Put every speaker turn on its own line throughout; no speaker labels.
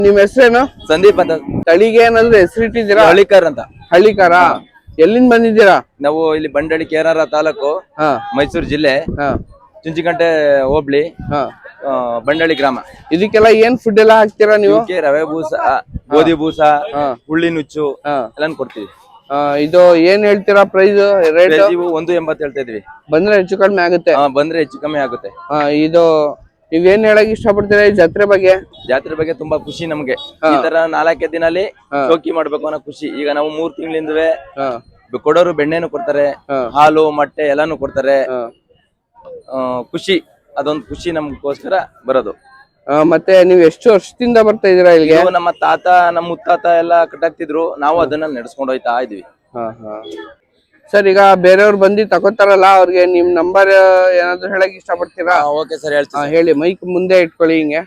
ನಿಮ್ ಹೆಸರೇನು?
ಸಂದೀಪ್ ಅಂತ.
ತಳಿಗೆ ಏನಾದ್ರು ಹೆಸರಿಟ್ಟಿದ್ದೀರಾ?
ಹಳ್ಳಿಕಾರ್ ಅಂತ.
ಹಳ್ಳಿಕಾರ. ಎಲ್ಲಿಂದ ಬಂದಿದ್ದೀರಾ?
ನಾವು ಇಲ್ಲಿ ಬಂಡಳಿ ಕೇರಳ ತಾಲೂಕು, ಮೈಸೂರು ಜಿಲ್ಲೆ, ಚುಂಚಿಕಂಟೆ ಹೋಬ್ಳಿ, ಬಂಡಳಿ ಗ್ರಾಮ.
ಇದಕ್ಕೆಲ್ಲ ಏನ್ ಫುಡ್ ಎಲ್ಲ ಹಾಕ್ತೀರಾ ನೀವು?
ರವೆ ಬೂಸ, ಗೋಧಿ ಬೂಸ, ಹುಳ್ಳಿ ನುಚ್ಚು ಎಲ್ಲ ಕೊಡ್ತೀವಿ.
ಇದು ಏನ್ ಹೇಳ್ತೀರಾ ಪ್ರೈಸ್ ರೇಟ್?
180 ಹೇಳ್ತಾ ಇದೀವಿ.
ಬಂದ್ರೆ ಹೆಚ್ಚು ಕಡಿಮೆ ಆಗುತ್ತೆ?
ಬಂದ್ರೆ ಹೆಚ್ಚು ಕಮ್ಮಿ ಆಗುತ್ತೆ.
ಇದು ನೀವೇನ್ ಹೇಳಕ್ ಇಷ್ಟಪಡ್ತೀರಾ ಈ ಜಾತ್ರೆ ಬಗ್ಗೆ?
ಜಾತ್ರೆ ಬಗ್ಗೆ ತುಂಬಾ ಖುಷಿ ನಮ್ಗೆ. ಈ ತರ 4 ದಿನಲ್ಲಿ ಶೋಕಿ ಮಾಡ್ಬೇಕು ಅನ್ನೋ ಖುಷಿ. ಈಗ ನಾವು 3 ತಿಂಗಳಿಂದವೇ ಕೊಡೋರು ಬೆಣ್ಣೆನು ಕೊಡ್ತಾರೆ, ಹಾಲು ಮೊಟ್ಟೆ ಎಲ್ಲಾನು ಕೊಡ್ತಾರೆ. ಖುಷಿ, ಅದೊಂದು ಖುಷಿ ನಮ್ಗೋಸ್ಕರ ಬರೋದು.
ಮತ್ತೆ ನೀವು ಎಷ್ಟು ವರ್ಷದಿಂದ ಬರ್ತಾ ಇದೀರಾ ಇಲ್ಲಿಗೆ?
ನಮ್ಮ ತಾತ ನಮ್ಮ ಮುತ್ತಾತ ಎಲ್ಲ ಕಟ್ಟಾಗ್ತಿದ್ರು, ನಾವು ಅದನ್ನ ನಡೆಸ್ಕೊಂಡು ಹೋಯ್ತಾ ಇದೀವಿ.
ಸರ್, ಈಗ ಬೇರೆಯವ್ರು ಬಂದು ತಗೋತಾರಲ್ಲ, ಅವ್ರಿಗೆ ನಿಮ್ ನಂಬರ್ ಏನಾದ್ರು ಹೇಳಕ್ ಇಷ್ಟಪಡ್ತೀರಾ?
ಓಕೆ ಸರ್, ಹೇಳ್ತೀನಿ.
ಹೇಳಿ, ಮೈಕ್ ಮುಂದೆ ಇಟ್ಕೊಳ್ಳಿ. ಹಿಂಗೆ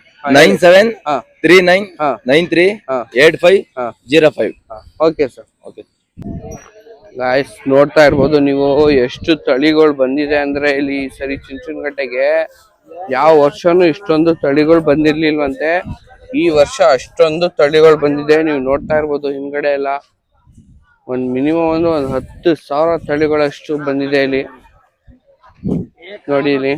9739938505.
Okay sir. ಓಕೆ ಗಾಯ್ಸ್, ನೋಡ್ತಾ ಇರ್ಬೋದು ನೀವು ಎಷ್ಟು ತಳಿಗಳು ಬಂದಿದೆ ಅಂದ್ರೆ ಇಲ್ಲಿ ಸರಿ ಚುಂಚನಕಟ್ಟೆಗೆ ಯಾವ ವರ್ಷನೂ ಇಷ್ಟೊಂದು ತಳಿಗಳು ಬಂದಿರ್ಲಿಲ್ವಂತೆ. ಈ ವರ್ಷ ಅಷ್ಟೊಂದು ತಳಿಗಳು ಬಂದಿದೆ. ನೀವು ನೋಡ್ತಾ ಇರ್ಬೋದು ಹಿಂದ್ಗಡೆ ಎಲ್ಲ ಮಿನಿಮಮ್ ಒಂದು 10,000 ತಳಿಗಳಷ್ಟು ಬಂದಿದೆ ಇಲ್ಲಿ. ನೋಡಿ ಇಲ್ಲಿ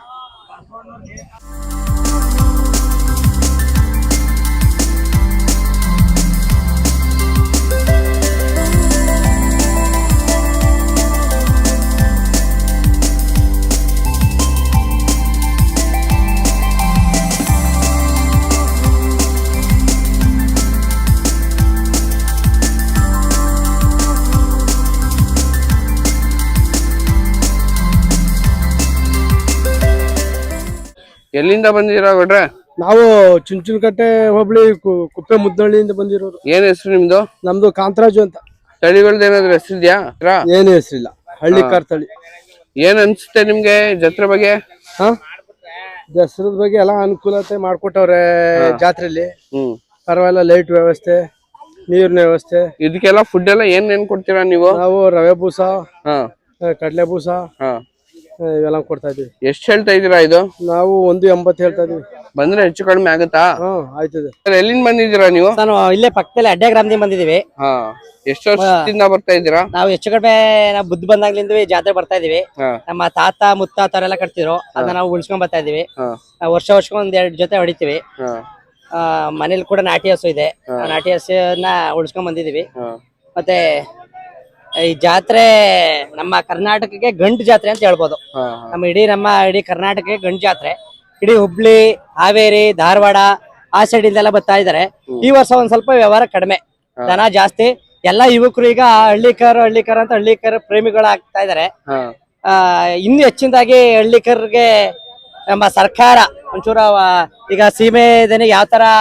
ಎಲ್ಲಿಂದ ಬಂದಿದ್ದೀರಾ ಗೌಡ್ರೆ?
ನಾವು ಚುಂಚನಕಟ್ಟೆ ಹೋಬಳಿ ಕುಪ್ಪೆ ಮುದ್ದಳ್ಳಿಯಿಂದ ಬಂದಿರೋರು.
ಏನ್ ಹೆಸರು ನಿಮ್ದು?
ನಮ್ದು ಕಾಂತರಾಜು ಅಂತ.
ತಳಿಗಳ್ದು ಏನಾದ್ರು ಹೆಸರಿದ್ಯಾ?
ಏನು ಹೆಸರಿಲ್ಲ, ಹಳ್ಳಿಕಾರ್ ತಳಿ.
ಏನ್ ಅನ್ಸುತ್ತೆ ನಿಮ್ಗೆ ಜಾತ್ರೆ ಬಗ್ಗೆ?
ದಸರದ ಬಗ್ಗೆ ಎಲ್ಲ ಅನುಕೂಲತೆ ಮಾಡ್ಕೊಟ್ಟವ್ರೆ ಜಾತ್ರೆಯಲ್ಲಿ. ಪರವಾಗಿಲ್ಲ, ಲೈಟ್ ವ್ಯವಸ್ಥೆ, ನೀರಿನ ವ್ಯವಸ್ಥೆ.
ಇದಕ್ಕೆಲ್ಲ ಫುಡ್ ಎಲ್ಲ ಏನ್ ಕೊಡ್ತೀರಾ ನೀವು?
ನಾವು ರವೆ ಬೂಸ, ಕಡಲೆ ಬೂಸ ಇವೆಲ್ಲ ಕೊಡ್ತಾ ಇದೀವಿ.
ಎಷ್ಟ್ ಹೇಳ್ತಾ ಇದೀರಾ ಇದು?
ನಾವು 180 ಹೇಳ್ತಾ ಇದೀವಿ.
ಬಂದ್ರೆ ಹೆಚ್ಚು ಕಡಿಮೆ ಆಗುತ್ತಾ?
ಆಯ್ತದೆ.
ಎಲ್ಲಿಂದ ಬಂದಿದ್ದೀರಾ ನೀವು?
ನಾನು ಇಲ್ಲೇ ಪಕ್ಕದಲ್ಲಿ ಅಡ್ಡೆ ಗ್ರಾಮದಿಂದ ಬಂದಿದೀವಿ.
ಎಷ್ಟು ವರ್ಷದಿಂದ ಬರ್ತಾ ಇದ್ದೀರಾ?
ನಾವು ಹೆಚ್ಚು ಕಡಿಮೆ ನಾವು ಬುದ್ಧ ಬಂದಾಗ್ಲಿಂದ ಜಾತ್ರೆ ಬರ್ತಾ ಇದೀವಿ. ನಮ್ಮ ತಾತ ಮುತ್ತಾತವರೆಲ್ಲ ಕಟ್ತಿದ್ರು, ಅದನ್ನ ನಾವು ಉಳಿಸ್ಕೊಂಡ್ ಬರ್ತಾ ಇದೀವಿ. ವರ್ಷಕ್ಕೆ 1-2 ಜೊತೆ ಹೊಡಿತೀವಿ. ಮನೇಲಿ ಕೂಡ ನಾಟಿ ಹಸು ಇದೆ, ನಾಟಿ ಹಸುನ ಉಳಿಸ್ಕೊಂಡ್ ಬಂದಿದೀವಿ. ಮತ್ತೆ ಈ ಜಾತ್ರೆ ನಮ್ಮ ಕರ್ನಾಟಕಕ್ಕೆ ಗಂಟು ಜಾತ್ರೆ ಅಂತ ಹೇಳ್ಬೋದು. ನಮ್ಮ ಇಡೀ ಕರ್ನಾಟಕಕ್ಕೆ ಗಂಟು ಜಾತ್ರೆ. ಇಡೀ ಹುಬ್ಳಿ, ಹಾವೇರಿ, ಧಾರವಾಡ ಆ ಸೈಡ್ ಇಂದೆಲ್ಲ ಬರ್ತಾ ಇದಾರೆ. ಈ ವರ್ಷ ಒಂದ್ ಸ್ವಲ್ಪ ವ್ಯವಹಾರ ಕಡಿಮೆ, ದನ ಜಾಸ್ತಿ. ಎಲ್ಲಾ ಯುವಕರು ಈಗ ಹಳ್ಳಿಕರ್ ಅಂತ ಹಳ್ಳಿಕರ್ ಪ್ರೇಮಿಗಳಾಗ್ತಾ ಇದಾರೆ. ಇನ್ನು ಹೆಚ್ಚಿನದಾಗಿ ಹಳ್ಳಿಕರ್ಗೆ ನಮ್ಮ ಸರ್ಕಾರ ಒಂಚೂರ ಈಗ ಸೀಮೆ ದನಿಗೆ ಯಾವ ತರ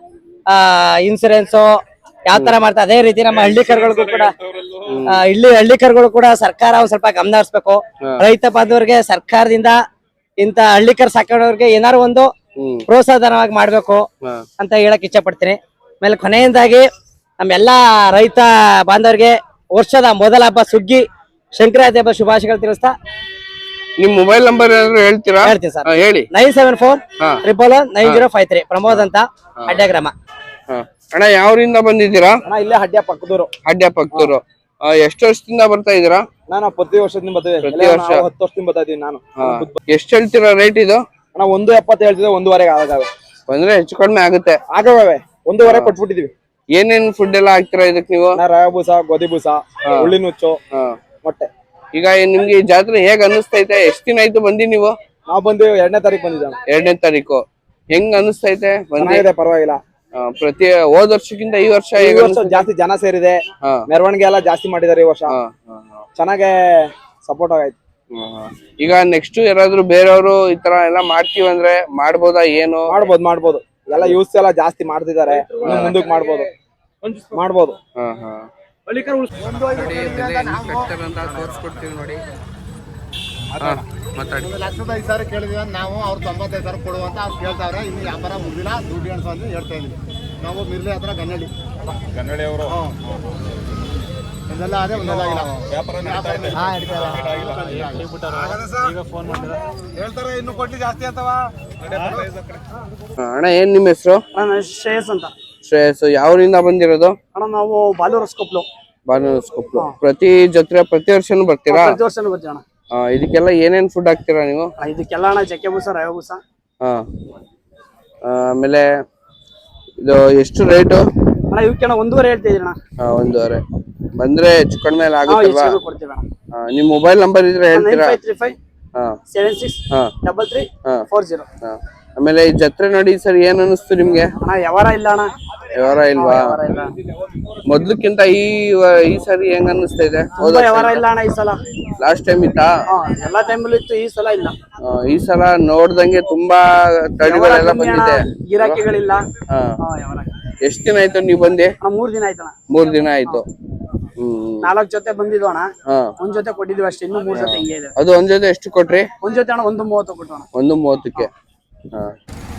ಇನ್ಸೂರೆನ್ಸ್ ಯಾವ ತರ ಮಾಡ್ತಾ, ಅದೇ ರೀತಿ ನಮ್ಮ ಹಳ್ಳಿಕರ್ಗಳಿಗೂ ಕೂಡ ಹಳ್ಳಿಕರ್ಗಳು ಕೂಡ ಸರ್ಕಾರ ಒಂದ್ ಸ್ವಲ್ಪ ಗಮನ ಹರಿಸ್ಬೇಕು. ರೈತ ಬಾಂಧವರಿಗೆ ಸರ್ಕಾರದಿಂದ ಇಂತ ಹಳ್ಳಿಕರ್ ಸಾಕೋರಿಗೆ ಏನಾರು ಒಂದು ಪ್ರೋತ್ಸಾಹಧನವಾಗಿ ಮಾಡ್ಬೇಕು ಅಂತ ಹೇಳಕ್ ಇಚ್ಛೆ ಪಡ್ತೀನಿ. ಆಮೇಲೆ ಕೊನೆಯದಾಗಿ ನಮ್ಮೆಲ್ಲಾ ರೈತ ಬಾಂಧವರಿಗೆ ವರ್ಷದ ಮೊದಲ ಹಬ್ಬ ಸುಗ್ಗಿ ಸಂಕ್ರಾಂತಿ ಹಬ್ಬ ಶುಭಾಶಯಗಳು ತಿಳಿಸ್ತಾ,
ನಿಮ್ ಮೊಬೈಲ್ ನಂಬರ್ ಏನಾದ್ರು ಹೇಳ್ತೀರಾ?
ಹೇಳ್ತೀನಿ ಸರ್,
ಹೇಳಿ.
9741119053. ಪ್ರಮೋದ್ ಅಂತ, ಅಡ್ಡೆ ಗ್ರಾಮ.
ಅಣ್ಣ, ಯಾವ್ರಿಂದ ಬಂದಿದ್ದೀರಾ?
ಇಲ್ಲೇ ಹಡ್ಯ ಪಕ್ಕದೂರು.
ಹಡ್ಯ ಪಕ್ಕದೂರು. ಎಷ್ಟು ವರ್ಷದಿಂದ ಬರ್ತಾ ಇದೀರಾ?
ನಾನು ಪ್ರತಿ ವರ್ಷದಿಂದ ಬರ್ತೀವಿ.
ಪ್ರತಿ ವರ್ಷ
10 ವರ್ಷದಿಂದ ಬರ್ತಾ ಇದೀನಿ ನಾನು.
ಎಷ್ಟು ಹೇಳ್ತೀರಾ ರೇಟ್ ಇದು?
ಅಣ್ಣ 170 ಹೇಳ್ತಿದ್ದೆ, 1.5 ಆಗವೆ.
ಬಂದ್ರೆ ಹೆಚ್ಚು ಕಡಿಮೆ ಆಗುತ್ತೆ.
ಆಗವೆ, 1.5 ಕೊಟ್ಬಿಟ್ಟಿದೀವಿ.
ಏನೇನ್ ಫುಡ್ ಎಲ್ಲ ಹಾಕ್ತೀರಾ ಇದಕ್ ನೀವು?
ರವೆ ಬೂಸ, ಗೋಧಿ ಬೂಸ, ಹುಳ್ಳಿ ನುಚ್ಚು, ಮೊಟ್ಟೆ.
ಈಗ ನಿಮ್ಗೆ ಈ ಜಾತ್ರೆ ಹೇಗ್ ಅನ್ನಿಸ್ತೈತೆ? ಎಷ್ಟ್ ದಿನ ಆಯ್ತು ಬಂದಿ ನೀವು?
ನಾವು ಬಂದು 2ನೇ ತಾರೀಕು ಬಂದಿದ್ದಾನೆ.
2ನೇ ತಾರೀಕು. ಹೆಂಗ್ ಅನ್ನಿಸ್ತೈತೆ?
ಪರವಾಗಿಲ್ಲ.
ಪ್ರತಿ ಹೋದ ವರ್ಷಕ್ಕಿಂತ ಈ ವರ್ಷ
ಜಾಸ್ತಿ ಜನ ಸೇರಿದೆ, ಮೆರವಣಿಗೆ ಎಲ್ಲ ಜಾಸ್ತಿ ಮಾಡಿದಾರೆ ಈ ವರ್ಷ. ಚೆನ್ನಾಗೆ ಸಪೋರ್ಟ್ ಆಗೈತೆ.
ಈಗ ನೆಕ್ಸ್ಟ್ ಯಾರಾದ್ರೂ ಬೇರೆಯವರು ಈ ತರ ಎಲ್ಲ ಮಾಡ್ತೀವಿ ಅಂದ್ರೆ ಮಾಡ್ಬೋದಾ? ಏನು
ಮಾಡ್ಬೋದು. ಎಲ್ಲ ಯೂಸ್ ಎಲ್ಲ ಜಾಸ್ತಿ ಮಾಡ್ತಿದ್ದಾರೆ, ಮುಂದಕ್ಕೆ ಮಾಡ್ಬೋದು.
ತೋರಿಸ್ಕೊಡ್ತೀವಿ ನೋಡಿ.
ಮಾತಾಡಿ. 1,05,000 ಕೇಳಿದ್ವಿ ನಾವು, ಅವ್ರು 95,000 ಕೊಡುವಂತ ಅವ್ರು ಕೇಳ್ತಾವ್ರೆ. ಇನ್ನು ವ್ಯಾಪಾರ ಮುಗಿದಿಲ್ಲ, ದುಡ್ಡು ಎಣಿಸು ಅಂತ ಹೇಳ್ತಾ ಇದೀವಿ. ನಾವು ಮಿರ್ಲಿ ಹತ್ರ ಗನ್ನಡಿ ಅವರು ಒಂದೆಲ್ಲ ಅದೇ ಒಂದೆಲ್ಲ ವ್ಯಾಪಾರ ಈಗ ಫೋನ್ ಮಾಡಿದ್ರೆ ಹೇಳ್ತಾರೆ ಇನ್ನು ಕೊಡ್ಲಿ ಜಾಸ್ತಿ ಅಥವಾ.
ಅಣ್ಣ, ಏನ್ ನಿಮ್ಮ ಹೆಸರು?
ಶ್ರೇಯಸ್ ಅಂತ.
ಶ್ರೇಯಸ್ ಯಾವರಿಂದ ಬಂದಿರೋದು?
ಅಣ್ಣ ನಾವು ಬಾಲೂರಸ್ಕೊಪ್ಲು
ಬಾನಸ್ಕೊಪ್ಲು. ಪ್ರತಿ ವರ್ಷನೂ ಬರ್ತೀರಾ?
ಪ್ರತಿ ವರ್ಷನೂ ಬರ್ತೀವಿ ಅಣ್ಣ.
ಇದಕ್ಕೆಲ್ಲ ಏನೇನ್ ಫುಡ್ ಹಾಕ್ತೀರಾ ನೀವು?
ಇದಕ್ಕೆಲ್ಲ ಅಣ್ಣ ಚಕ್ಕೆ ಬೂಸ ರವೆ ಬೂಸ.
ಆಮೇಲೆ ಇದು ಎಷ್ಟು ರೇಟು?
ಅಣ್ಣ ಇವಕ್ಕೆ 1.5 ಹೇಳ್ತಾ ಇದೀನಿ ಅಣ್ಣ.
1.5 ಬಂದ್ರೆ ಹೆಚ್ಚು ಕಡಿಮೆ ಆಗುತ್ತಲ್ವಾ?
ಕೊಡ್ತೀವಿ ಅಣ್ಣ.
ನಿಮ್ ಮೊಬೈಲ್ ನಂಬರ್ ಇದ್ರೆ ಹೇಳ್ತೀರಾ?
9535766340.
ಆಮೇಲೆ ಈ ಜಾತ್ರೆ ನೋಡಿ ಸರ್ ಏನ್ ಅನಿಸ್ತು ನಿಮ್ಗೆ?
ಅಣ್ಣ ವ್ಯವಹಾರ ಇಲ್ಲ ಅಣ್ಣ.
ವ್ಯವಹಾರ ಇಲ್ವಾ?
ಇಲ್ಲ.
ಮೊದ್ಲಕ್ಕಿಂತ ಈ ಸರಿ ಹೆಂಗ್ ಅನ್ನಿಸ್ತಾ ಇದೆ?
ವ್ಯವಹಾರ ಇಲ್ಲ ಅಣ್ಣ ಈ ಸಲ.
ಲಾಸ್ಟ್ ಟೈಮ್ ಇತ್ತಾ?
ಎಲ್ಲಾ ಟೈಮಲ್ಲೂ ಇತ್ತು, ಈ ಸಲ ಇಲ್ಲ.
ಈ ಸಲ ನೋಡ್ದಂಗೆ ತುಂಬಾ ತಳಿಗಳೆಲ್ಲ ಬಂದಿದೆ.
ಗಿರಾಕಿಗಳಿಲ್ಲ.
ಎಷ್ಟ್ ದಿನ ಆಯ್ತು ನೀವ್ ಬಂದಿ?
3 ದಿನ ಆಯ್ತಣ್ಣ.
3 ದಿನ ಆಯ್ತು.
4 ಜೊತೆ ಬಂದಿದ್ವು ಅಣ್ಣ. ಒಂದ್ ಜೊತೆ ಕೊಟ್ಟಿದ್ವಿ ಅಷ್ಟೇ, ಇನ್ನು 3 ಜೊತೆ ಹಿಂಗೆ ಇದೆ.
ಅದು ಒಂದ್ ಜೊತೆ ಎಷ್ಟು ಕೊಟ್ರಿ?
ಒಂದ್ ಜೊತೆ ಅಣ್ಣ 1.30 ಕೊಟ್ಟೋಣ.
1.30ಕ್ಕೆ.